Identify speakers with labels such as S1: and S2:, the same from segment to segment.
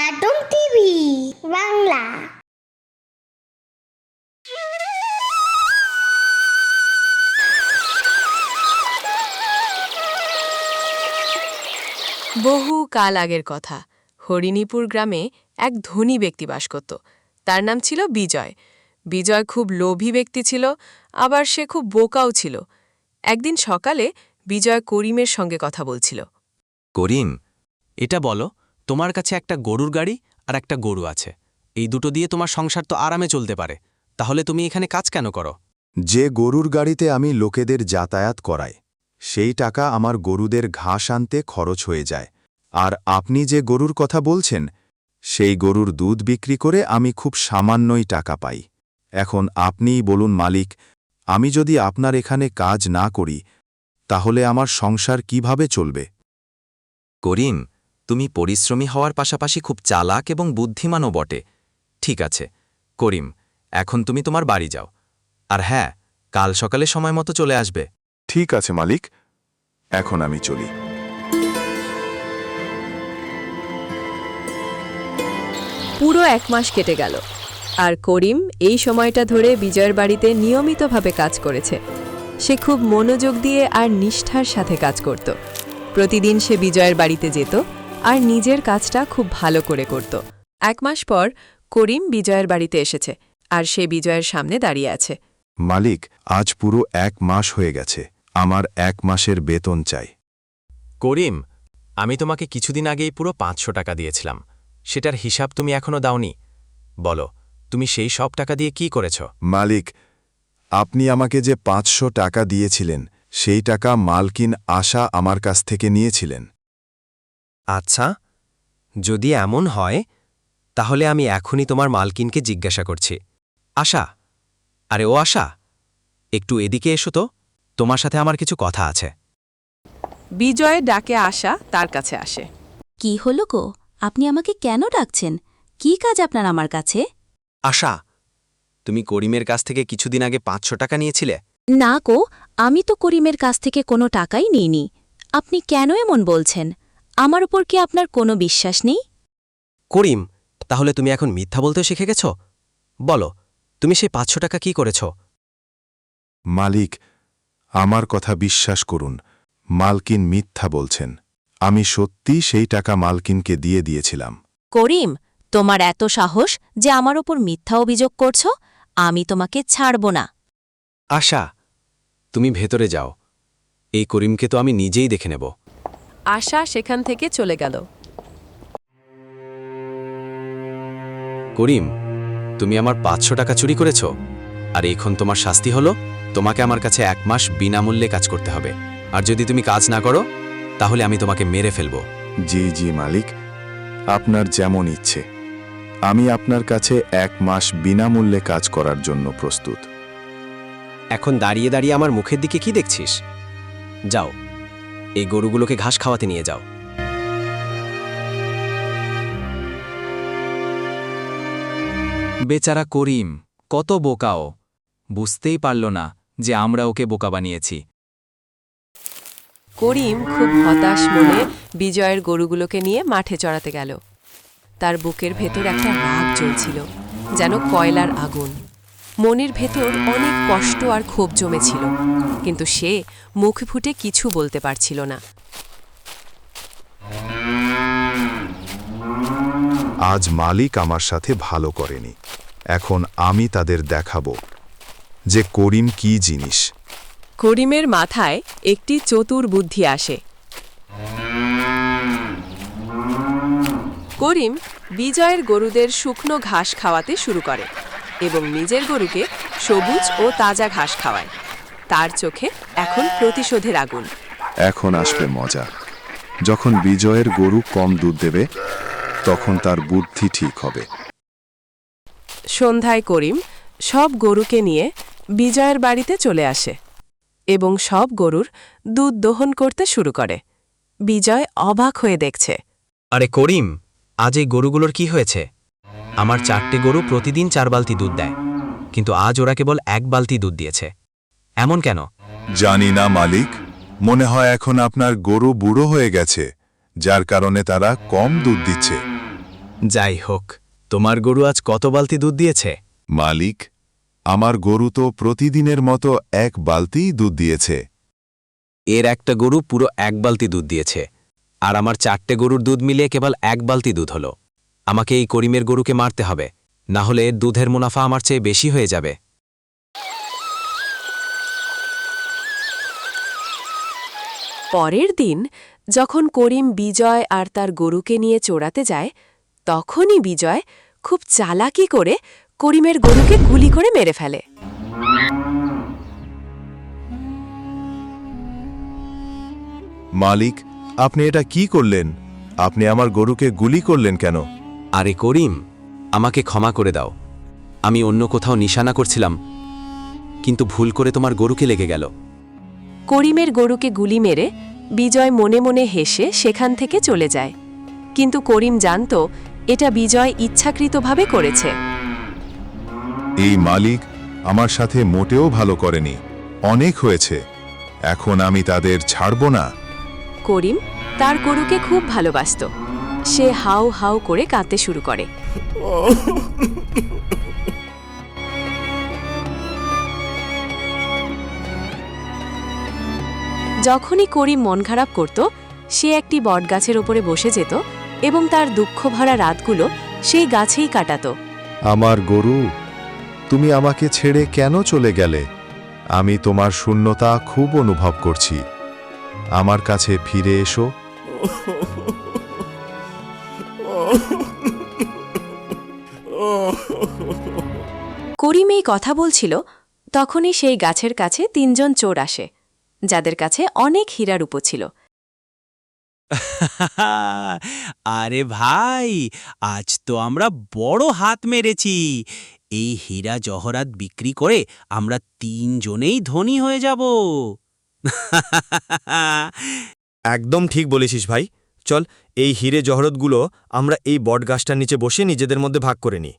S1: Cartoon TV Bangla.
S2: বহু কাল আগের কথা, হরিণীপুর গ্রামে এক ধনী ব্যক্তি বাস করত। তার নাম ছিল বিজয়। বিজয় খুব লোভী ব্যক্তি ছিল, আবার সে খুব বোকাও ছিল। একদিন সকালে বিজয় করিমের সঙ্গে কথা বলছিল।
S3: করিম, এটা বলো, তোমার কাছে একটা গরুর গাড়ি আর একটা গরু আছে, এই দুটো দিয়ে তোমার সংসার তো আরামে চলতে পারে, তাহলে তুমি এখানে কাজ কেন করো?
S4: যে গরুর গাড়িতে আমি লোকেদের যাতায়াত করাই, সেই টাকা আমার গরুদের ঘাস আনতে খরচ হয়ে যায়। আর আপনি যে গরুর কথা বলছেন, সেই গরুর দুধ বিক্রি করে আমি খুব সামান্যই টাকা পাই। এখন আপনিই বলুন মালিক, আমি যদি আপনার এখানে কাজ না করি, তাহলে আমার সংসার কিভাবে চলবে?
S3: করিম, তুমি পরিশ্রমী হওয়ার পাশাপাশি খুব চালাক এবং বুদ্ধিমানও বটে। ঠিক আছে করিম, এখন তুমি তোমার বাড়ি যাও। আর হ্যাঁ, কাল সকালে সময় মতো চলে আসবে।
S4: ঠিক আছে মালিক, এখন আমি চলি।
S2: পুরো 1 মাস কেটে গেল, আর করিম এই সময়টা ধরে বিজয়ের বাড়িতে নিয়মিতভাবে কাজ করেছে। সে খুব মনোযোগ দিয়ে আর নিষ্ঠার সাথে কাজ করত। প্রতিদিন সে বিজয়ের বাড়িতে যেত আর নিজের কাজটা খুব ভালো করে করত। 1 মাস পর করিম বিজয়ের বাড়িতে এসেছে, আর সে বিজয়ের সামনে দাঁড়িয়ে আছে।
S4: মালিক, আজ পুরো 1 মাস হয়ে গেছে, আমার 1 মাসের বেতন চাই।
S3: করিম, আমি তোমাকে কিছুদিন আগেই পুরো 500 টাকা দিয়েছিলাম, সেটার হিসাব তুমি এখনও দাওনি। বলো, তুমি সেই সব টাকা দিয়ে কি করেছ?
S4: মালিক, আপনি আমাকে যে 500 টাকা দিয়েছিলেন, সেই টাকা মালকিন আশা আমার কাছ থেকে নিয়েছিলেন।
S3: আচ্ছা, যদি এমন হয় তাহলে আমি এখনই তোমার মালকিনকে জিজ্ঞাসা করছি। আশা, আরে ও আশা, একটু এদিকে এসো তো, তোমার সাথে আমার কিছু কথা আছে।
S2: বিজয় ডাকে আশা তার কাছে আসে।
S5: কি হলো গো, আপনি আমাকে কেন ডাকছেন? কি কাজ আপনার আমার কাছে?
S3: আশা, তুমি করিমের কাছ থেকে কিছুদিন আগে 500 টাকা নিয়েছিলে।
S5: না গো, আমি তো করিমের কাছ থেকে কোনো টাকাই নিইনি। আপনি কেন এমন বলছেন? আমার উপর কি আপনার কোনো বিশ্বাস নেই?
S3: করিম, তাহলে তুমি এখন মিথ্যা বলতে শিখে গেছ? বলো, তুমি সেই 500 টাকা কি করেছ?
S4: মালিক, আমার কথা বিশ্বাস করুন, মালকিন মিথ্যা বলছেন। আমি সত্যি সেই টাকা মালকিনকে দিয়ে দিয়েছিলাম।
S5: করিম, তোমার এত সাহস যে আমার ওপর মিথ্যা অভিযোগ করছ? আমি তোমাকে ছাড়ব না।
S3: আশা, তুমি ভেতরে যাও, এই করিমকে তো আমি নিজেই দেখে নেব।
S2: আশা সেখান থেকে চলে গেল।
S3: করিম, তুমি আমার 500 টাকা চুরি করেছ, আর এখন তোমার শাস্তি হলো তোমাকে আমার কাছে 1 মাস বিনামূল্যে কাজ করতে হবে। আর যদি তুমি কাজ না করো, তাহলে আমি তোমাকে মেরে ফেলব।
S4: জি জি মালিক, আপনার যেমন ইচ্ছে। আমি আপনার কাছে 1 মাস বিনামূল্যে কাজ করার জন্য প্রস্তুত।
S3: এখন দাঁড়িয়ে দাঁড়িয়ে আমার মুখের দিকে কি দেখছিস? যাও, এই গরুগুলোকে ঘাস খাওয়াতে নিয়ে যাও। বেচারা করিম কত বোকাও, বুঝতেই পারল না যে আমরা ওকে বোকা বানিয়েছি।
S2: করিম খুব হতাশ মনে বিজয়ের গরুগুলোকে নিয়ে মাঠে চড়াতে গেল। তার বুকের ভেতর একটা রাগ জ্বলছিল, যেন কয়লার আগুন। মনের ভেতর অনেক কষ্ট আর ক্ষোভ জমেছিল, কিন্তু সে মুখ ফুটে কিছু বলতে পারছিল না।
S4: আজ মালিক আমার সাথে ভালো করেনি, এখন আমি তাদের দেখাবো যে করিম কি জিনিস।
S2: করিমের মাথায় একটি চতুর বুদ্ধি আসে। করিম বিজয়ের গরুদের শুকনো ঘাস খাওয়াতে শুরু করে এবং নিজের গরুকে সবুজ ও তাজা ঘাস খাওয়ায়। তার চোখে এখন প্রতিশোধের আগুন।
S4: এখন আসবে মজা। যখন বিজয়ের গরু কম দুধ দেবে, তখন তার বুদ্ধি ঠিক হবে।
S2: সন্ধ্যায় করিম সব গরুকে নিয়ে বিজয়ের বাড়িতে চলে আসে এবং সব গরুর দুধ দহন করতে শুরু করে। বিজয় অবাক হয়ে দেখছে।
S3: আরে করিম, আজ এই গরুগুলোর কি হয়েছে? আমার 4টে গরু প্রতিদিন 4 বালতি দুধ দেয়, কিন্তু আজ ওরা কেবল 1 বালতি দুধ দিয়েছে। এমন কেন?
S4: জানি না মালিক, মনে হয় এখন আপনার গরু বুড়ো হয়ে গেছে, যার কারণে তারা কম দুধ দিচ্ছে।
S3: যাই হোক, তোমার গরু আজ কত বালতি দুধ দিয়েছে?
S4: মালিক, আমার গরু তো প্রতিদিনের মতো 1 বালতিই দুধ দিয়েছে।
S3: এর একটা গরু পুরো 1 বালতি দুধ দিয়েছে, আর আমার 4টে গরুর দুধ মিলিয়ে কেবল 1 বালতি দুধ হলো। আমাকে এই করিমের গরুকে মারতে হবে, না হলে এর দুধের মুনাফা আমার চেয়ে বেশি হয়ে যাবে।
S2: পরের দিন যখন করিম বিজয় আর তার গরুকে নিয়ে চড়াতে যায়, তখনই বিজয় খুব চালাকি করে করিমের গরুকে গুলি করে মেরে ফেলে।
S4: মালিক, আপনি এটা কি করলেন? আপনি আমার গরুকে গুলি করলেন কেন?
S3: আরে করিম, আমাকে ক্ষমা করে দাও। আমি অন্য কোথাও নিশানা করছিলাম, কিন্তু ভুল করে তোমার গরুকে লেগে গেল।
S2: করিমের গরুকে গুলি মেরে বিজয় মনে মনে হেসে সেখান থেকে চলে যায়, কিন্তু করিম জানত এটা বিজয় ইচ্ছাকৃতভাবে করেছে।
S4: এই মালিক আমার সাথে মোটেও ভালো করেনি। অনেক হয়েছে, এখন আমি তাদের ছাড়ব না।
S2: করিম তার গরুকে খুব ভালোবাসত। সে হাউ হাউ করে কাঁদতে শুরু করে। যখনই করিম মন খারাপ করত, সে একটি বটগাছের ওপরে বসে যেত এবং তার দুঃখ ভরা রাতগুলো সেই গাছেই কাটাত।
S4: আমার গরু, তুমি আমাকে ছেড়ে কেন চলে গেলে? আমি তোমার শূন্যতা খুব অনুভব করছি। আমার কাছে ফিরে এসো।
S2: করিম এই কথা বলছিল, তখনই সেই গাছের কাছে 3 জন চোর আসে, যাদের কাছে অনেক হীরা রূপো ছিল।
S6: আরে ভাই, আজ তো আমরা বড় হাত মেরেছি। এই হীরা জহরাত বিক্রি করে আমরা 3 জনেই ধনী হয়ে যাব।
S7: একদম ঠিক বলেছিস ভাই। চল, এই হিরে জহরতগুলো আমরা এই বটগাছটার নিচে বসে নিজেদের মধ্যে ভাগ করে নিই।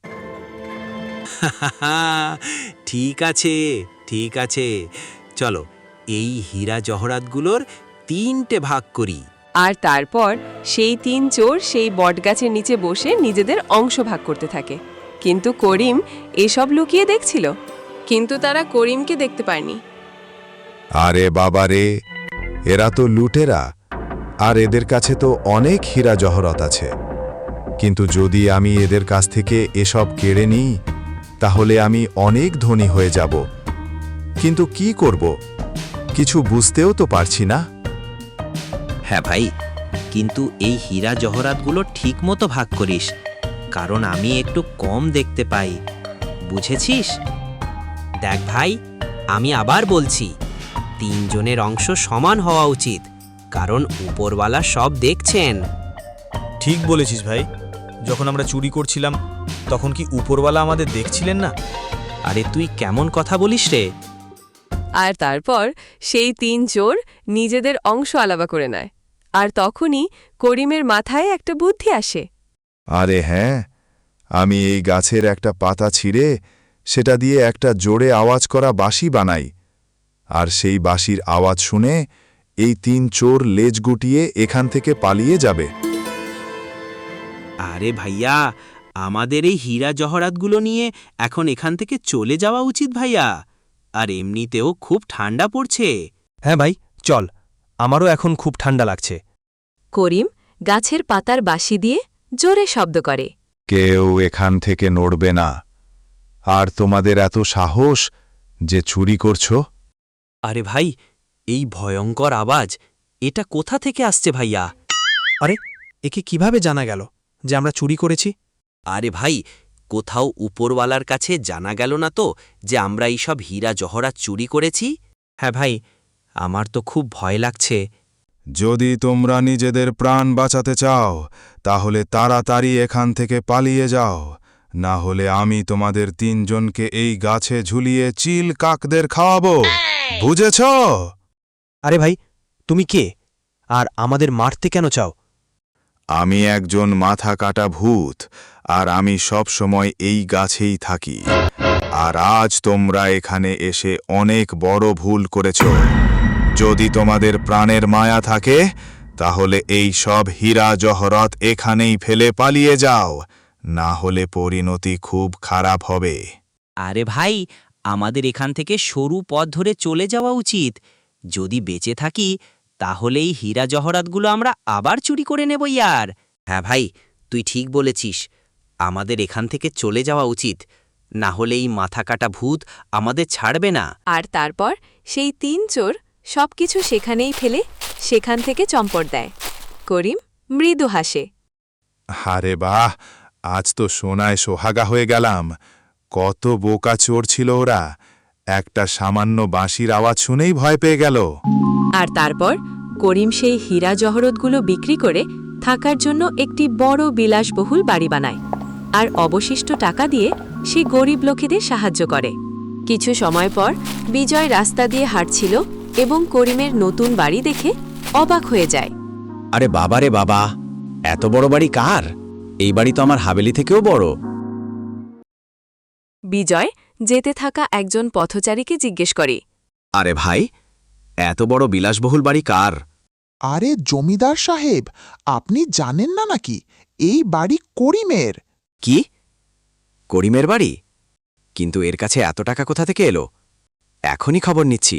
S6: ঠিক আছে, ঠিক আছে, চলো এই হীরা জহরাতগুলোর 3টে ভাগ করি।
S2: আর তারপর সেই 3 চোর সেই বটগাছের নিচে বসে নিজেদের অংশ ভাগ করতে থাকে। কিন্তু করিম এসব লুকিয়ে দেখছিল, কিন্তু তারা করিমকে দেখতে পায়নি।
S4: আরে বাবা রে, এরা তো লুটেরা, আর এদের কাছে তো অনেক হীরা জহরত আছে। কিন্তু যদি আমি এদের কাছ থেকে এসব কেড়ে নিই, তাহলে আমি অনেক ধনী হয়ে যাব। কিন্তু কি করব, কিছু বুঝতেও তো পারছি না।
S6: হ্যাঁ ভাই, কিন্তু এই হীরা জহরাতগুলো ঠিক মতো ভাগ করিস, কারণ আমি একটু কম দেখতে পাই, বুঝেছিস? দেখ ভাই, আমি আবার বলছি, 3 জনের অংশ সমান হওয়া উচিত, কারণ উপরওয়ালা সব দেখছেন।
S7: ঠিক বলেছিস ভাই। যখন আমরা চুরি করছিলাম, তখন কি উপরওয়ালা আমাদের দেখছিলেন না?
S6: আরে তুই কেমন কথা বলিস রে?
S2: আর তারপর সেই 3 চোর নিজেদের অংশ আলাদা করে নেয়। আর তখনই করিমের মাথায় একটা বুদ্ধি আসে।
S4: আরে হ্যাঁ, আমি এই গাছের একটা পাতা ছিঁড়ে সেটা দিয়ে একটা জোরে আওয়াজ করা বাঁশি বানাই, আর সেই বাঁশির আওয়াজ শুনে এই 3 চোর লেজ গুটিয়ে এখান থেকে পালিয়ে যাবে।
S6: আরে ভাইয়া, আমাদের এই হীরা জহরাতগুলো নিয়ে এখন এখান থেকে চলে যাওয়া উচিত ভাইয়া। আর এমনিতেও খুব ঠান্ডা পড়ছে।
S7: হ্যাঁ ভাই, চল, আমারও এখন খুব ঠান্ডা লাগছে।
S2: করিম গাছের পাতার বাঁশি দিয়ে জোরে শব্দ করে।
S4: কেউ এখান থেকে নড়বে না। আর তোমাদের এত সাহস যে চুরি করছো?
S6: আরে ভাই, এই ভয়ঙ্কর আওয়াজ এটা কোথা থেকে আসছে ভাইয়া?
S7: আরে, একে কিভাবে জানা গেল যে আমরা চুরি করেছি?
S6: আরে ভাই, কোথাও উপরওয়ালার কাছে জানা গেল না তো যে আমরা এইসব হীরা জহরাত চুরি করেছি? হ্যাঁ ভাই, আমার তো খুব ভয় লাগছে।
S4: যদি তোমরা নিজেদের প্রাণ বাঁচাতে চাও, তাহলে তাড়াতাড়ি এখান থেকে পালিয়ে যাও, না হলে আমি তোমাদের 3 জনকে এই গাছে ঝুলিয়ে চিল কাকদের খাওয়াবো, বুঝেছ?
S7: আরে ভাই, তুমি কে? আর আমাদের মারতে কেন চাও?
S4: আমি একজন মাথা কাটা ভূত, আর আমি সব সময় এই গাছেই থাকি। আর আজ তোমরা এখানে এসে অনেক বড় ভুল করেছ। যদি তোমাদের প্রাণের মায়া থাকে, তাহলে এই সব হীরা জহরত এখানেই ফেলে পালিয়ে যাও। না হলে পরিণতি খুব খারাপ হবে।
S6: আরে ভাই, আমাদের এখান থেকে সরু পথ ধরে চলে যাওয়া উচিত। যদি বেঁচে থাকি তাহলে এই হীরা জহরাতগুলো আমরা আবার চুরি করে নেব ইয়ার। হ্যাঁ ভাই, তুই ঠিক বলেছিস, আমাদের এখান থেকে চলে যাওয়া উচিত, না হলে এই মাথা কাটা ভূত আমাদের ছাড়বে না।
S2: আর তারপর সেই 3 চোর সবকিছু সেখানেই ফেলে সেখান থেকে চম্পট দেয়। করিম মৃদু হাসে।
S4: আরে বাহ, আজ তো সোনায় সোহাগা হয়ে গেলাম। কত বোকা চোর ছিল ওরা, একটা সামান্য বাঁশির আওয়াজ শুনেই ভয় পেয়ে গেল।
S2: আর তারপর করিম সেই হীরা জহরতগুলো বিক্রি করে থাকার জন্য একটি বড় বিলাসবহুল বাড়ি বানায়, আর অবশিষ্ট টাকা দিয়ে সে গরিব লোকেদের সাহায্য করে। কিছু সময় পর বিজয় রাস্তা দিয়ে হাঁটছিল এবং করিমের নতুন বাড়ি দেখে অবাক হয়ে যায়।
S3: আরে বাবা রে বাবা, এত বড় বাড়ি কার? এই বাড়ি তো আমার হাবেলি থেকেও বড়।
S2: বিজয় যেতে থাকা একজন পথচারীকে জিজ্ঞেস করে,
S3: আরে ভাই, এত বড় বিলাসবহুল বাড়ি কার?
S8: আরে জমিদার সাহেব, আপনি জানেন না নাকি এই বাড়ি করিমের?
S3: কি? করিমের বাড়ি? কিন্তু এর কাছে এত টাকা কোথা থেকে এলো? এখনই খবর নিচ্ছি।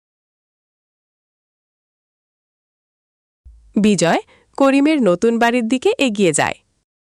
S2: বিজয় করিমের নতুন বাড়ির দিকে এগিয়ে যায়।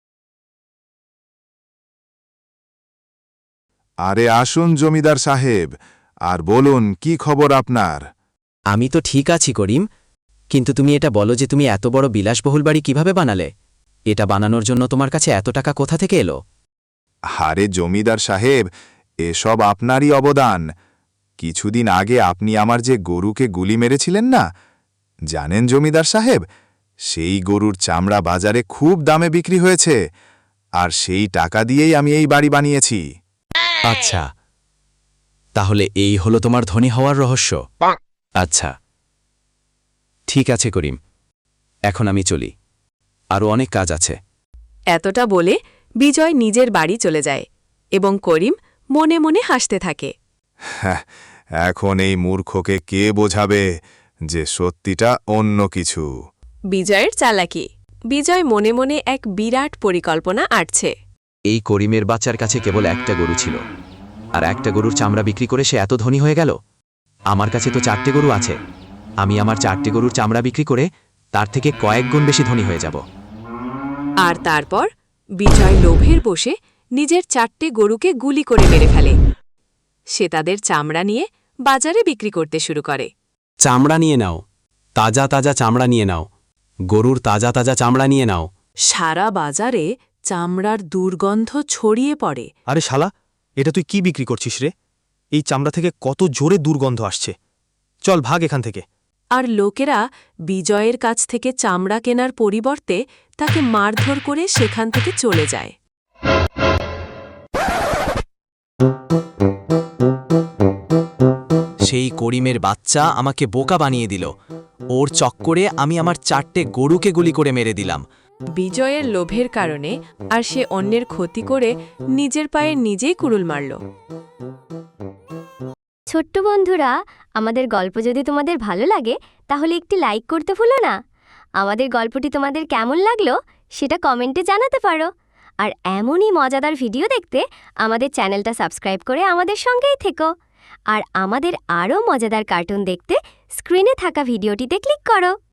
S4: আরে আসুন জমিদার সাহেব, আর বলুন কি খবর আপনার?
S3: আমি তো ঠিক আছি করিম, কিন্তু তুমি এটা বলো যে তুমি এত বড় বিলাসবহুল বাড়ি কিভাবে বানালে? এটা বানানোর জন্য তোমার কাছে এত টাকা কোথা থেকে এলো?
S4: আরে জমিদার সাহেব, এসব আপনারই অবদান। কিছুদিন আগে আপনি আমার যে গরুকে গুলি মেরেছিলেন না, জানেন জমিদার সাহেব, সেই গরুর চামড়া বাজারে খুব দামে বিক্রি হয়েছে, আর সেই টাকা দিয়েই আমি এই বাড়ি বানিয়েছি।
S3: আচ্ছা, তাহলে এই হলো তোমার ধনী হওয়ার রহস্য। আচ্ছা, ঠিক আছে করিম, এখন আমি চলি, আরও অনেক কাজ আছে।
S2: এতটা বলে বিজয় নিজের বাড়ি চলে যায় এবং করিম মনে মনে হাসতে থাকে।
S4: এখন এই মূর্খকে কে বোঝাবে যে সত্যিটা অন্য কিছু?
S2: বিজয়ের চালাকি। বিজয় মনে মনে এক বিরাট পরিকল্পনা আঁটছে।
S3: এই করিমের বাচ্চার কাছে কেবল একটা গরু ছিল, আর একটা গরুর চামড়া বিক্রি করে সে এত ধনী হয়ে গেল। আমার কাছে তো 4টে গরু আছে, আমি আমার 4টে গরুর চামড়া বিক্রি করে তার থেকে কয়েক গুণ বেশি ধনী হয়ে যাব।
S2: আর তারপর বিজয় লোভের বসে নিজের 4টে গরুকে গুলি করে মেরে ফেলে। সে তাদের চামড়া নিয়ে বাজারে বিক্রি করতে শুরু করে।
S3: চামড়া নিয়ে নাও, তাজা তাজা চামড়া নিয়ে নাও, গরুর তাজা তাজা চামড়া নিয়ে নাও।
S2: সারা বাজারে চামড়ার দুর্গন্ধ ছড়িয়ে পড়ে।
S7: আরে শালা, এটা তুই কি বিক্রি করছিস রে? এই চামড়া থেকে কত জোরে দুর্গন্ধ আসছে। চল ভাগ এখান থেকে।
S2: আর লোকেরা বিজয়ের কাছ থেকে চামড়া কেনার পরিবর্তে তাকে মারধর করে সেখান থেকে চলে যায়।
S3: সেই করিমের বাচ্চা আমাকে বোকা বানিয়ে দিল। ওর চক্করে আমি আমার 4টে গরুকে গুলি করে মেরে দিলাম।
S2: বিজয়ের লোভের কারণে আর সে অন্যের ক্ষতি করে নিজের পায়ে নিজেই কুড়ুল মারল।
S1: ছোট্ট বন্ধুরা, আমাদের গল্প যদি তোমাদের ভালো লাগে তাহলে একটি লাইক করতে ভুলো না। আমাদের গল্পটি তোমাদের কেমন লাগলো সেটা কমেন্টে জানাতে পারো। আর এমনই মজাদার ভিডিও দেখতে আমাদের চ্যানেলটা সাবস্ক্রাইব করে আমাদের সঙ্গেই থেকো। আর আমাদের আরও মজাদার কার্টুন দেখতে স্ক্রিনে থাকা ভিডিওটিতে ক্লিক করো।